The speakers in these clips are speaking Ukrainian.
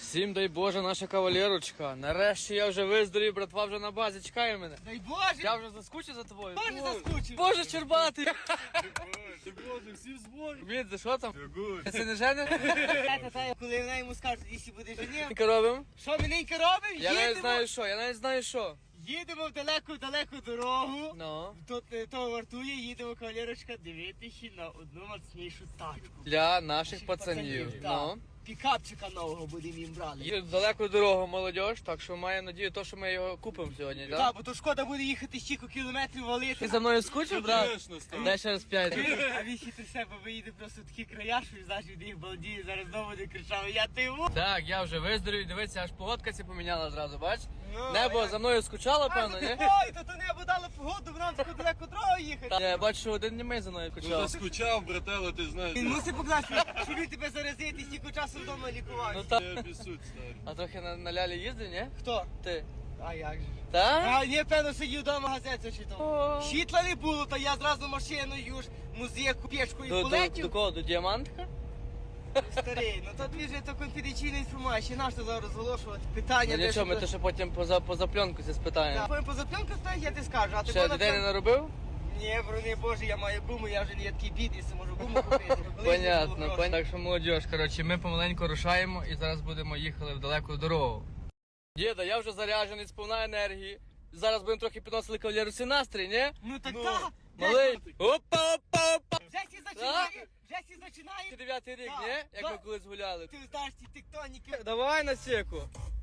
Всім дай Боже, наша кавалерочка. Нарешті я вже виздорів, братва вже на базі чекає мене. Дай Боже! Я вже заскучив за тобою. Боже, заскучив! Боже, Чербатий! Ти Боже, всі в зборі. Від, за що там? Good. Ти не жениш? Коли вона йому скаже, якщо буде женив, Що робимо? що міненько робимо? Я навіть знаю що. Їдемо в далеку дорогу. Ну. Тут того вартує, їдемо, кавалерочка, дивитися на одну мацнішу тачку. Для наших пацанів. Так. Ну. Пікапчика нового будемо їм брали. Їдуть в далеку дорогу молодіж, так що маю надію, що ми його купимо сьогодні, так? Так, бо то шкода буде їхати стільки кілометрів валити. Ти за мною скучив, брат? Конечно, став. Дай ще раз 5. А він хитрий себе виїде просто в такі края, що знаєш, від їх балдіє, зараз знову буде кричав, я ти йому. Так, я вже виздорів, дивіться, аж погодка ця поміняла зразу, бач? Ну, Небо як? за мною скучало, певно, ні? Ой, то небо дало погоду, в нам таку далеку дорогу їхати. Я бачу, що один німей за мною Ну, скучав. заскучав, брателло, ти знаєш. Він мусить покласти, щоб він тебе заразити, стільки часу вдома лікувати. Ну так. Я обісуть, старий. А трохи на лялі їздив, ні? Хто? Ти. А як же? Так? А, ні, певно, сидів вдома газету О. читав. Світла не було, то я зразу машиною ж, музику, печку і До полетів. кого? До діамантика? Старий, ну то дві ж то конфіденційна інформація, наш то зараз розголошувати. Питання, Ну де нічого, ми що- то ще потім поза пленку це Так, спитаємо. потім поза пленку стоїть, я ти скажу, а ти Ще дітей не наробив? Ні, брони Боже, я маю гуму, я вже не є такий бідний, що можу гуму купити. Понятно. Так що молодіж, коротше, ми помаленьку рушаємо і зараз будемо їхали в далеку дорогу. Діда, я вже заряджений, сповна енергії. Зараз будемо трохи підносили кавалерусі настрій, ні? Ну так Ну. так. Малий! Опа! Вже всі зачинає, вже всі зачинає. 9-й рік, Так, ні? Як так. ми колись гуляли. Ти знаєш ці тектоніки. Давай на секу.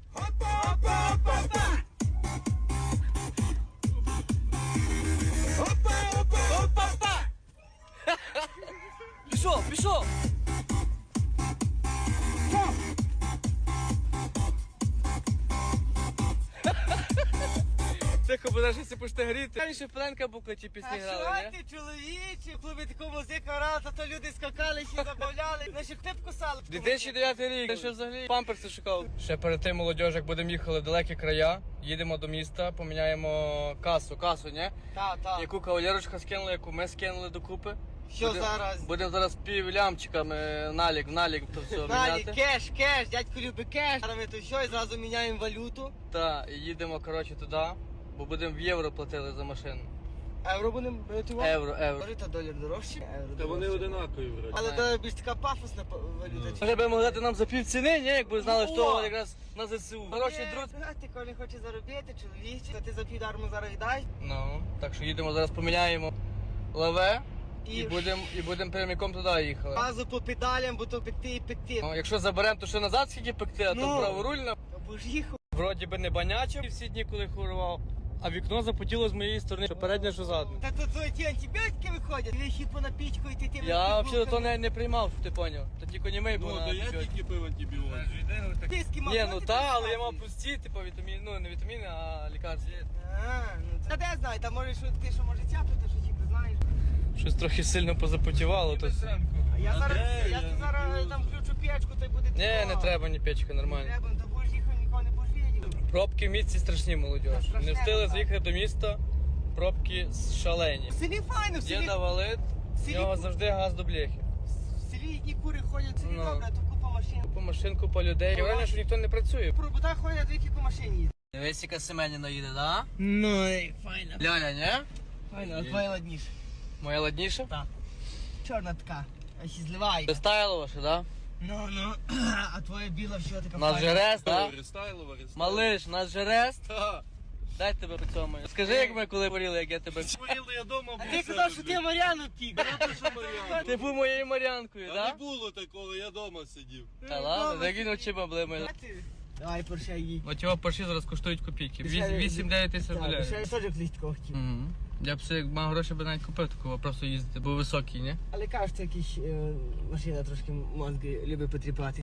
Пішов! Тихо, бо навіть якщо почне гріти. Раніше Френка буклеті пісні А грали, що ні? ти, чоловіче, в клубі таку музику грали, то люди скакали, всі забавляли, наші хтип кусали. 2009 рік, я ще взагалі памперси шукав. Ще перед тим, молодіж, як будемо їхали в далекі края, їдемо до міста, поміняємо касу, ні? Так. Яку кавалерочка скинула, яку ми скинули докупи. Що зараз? Будемо зараз півлямчиками налік то все Далі, міняти. кеш, дядько любить кеш. Зараз ми то все і зразу міняємо валюту. Так, і їдемо, коротше, туди, бо будемо в євро платили за машину. Євро будемо брати. Євро. Та долар дорожче. Євро Та вони дорожче. одинакові, вроді. Але то більш така пафосна валюта. Може би могли дати нам за пів ціни, ні? Якби знали, О! що якраз на ЗСУ. Хороший друг. Ти коли хочеш заробити, чоловіче, то ти за півдарму зараз віддай. Ну, так що їдемо, зараз поміняємо лаве і І будемо прямиком туди їхали. Газу по педалям, бо то пекти і пекти. Ну, якщо заберемо, то ще назад скільки пекти, а то Ну. праворульно. Бо ж їхав. Вроді би не банячив всі дні, коли хворував, а вікно запотіло з моєї сторони, що переднє, що задне. Та тут ті антибіотики виходять, вихід по напічку і ти тим. Я взагалі то не приймав, щоб ти поняв. То тільки німей був Ну, на то я антибіотики. тільки пив антибіотик. Диски мав. Ні, ну та, але я мав пусті, типу вітаміни, ну не вітаміни, а лікарства. Та де знаю, там може що ти що може тяпати, що тільки знаєш. Щось трохи сильно позапотівало, то все. А я зараз, Андрей, я тут зараз там включу печку, то й буде Ні, не тепло. треба ні печка, нормально. Треба, то будеш їхати, нікого не будеш видіти. Пробки в місті страшні, молодіж. Страшне, Не встигли так. заїхати до міста, пробки шалені. В селі файно, в селі, Діда валить, в селі- нього завжди газ до бляхи. в селі одні кури ходять, в селі Ну. добре, а тут купа машин. По машинку, по людей. Враження, що ніхто не працює. По роботах ходять, дві по машині їздять. Дивись, яка Семеніна їде, да? Ну, і файно. Ляля, ні? Файно, а твоя ладніше. Моя ладніша? Так. Чорна така, а ще зливає. Достаяло ваше, да? Ну, а твоя біла все така Нас же рест, да? Рестайлова, Малиш, нас же рест. Та. Дай тебе по цьому. Скажи, як ми коли поріли, як я тебе. Хворіли я дома, А ти казав, що ти Мар'яну втік. Ти був моєю Мар'янкою, Та не да? було такого, я дома сидів. Та ладно, так він очима блимає. Давай, поршай їй. От його парші зараз коштують копійки. 8-9 тисяч доларів. Я теж колись такого хотів. Мгм. Я б все, як мав гроші, би навіть купив такого, просто їздити, бо високий, ні? Але кажуть, якісь машина трошки мозги любить потріпати.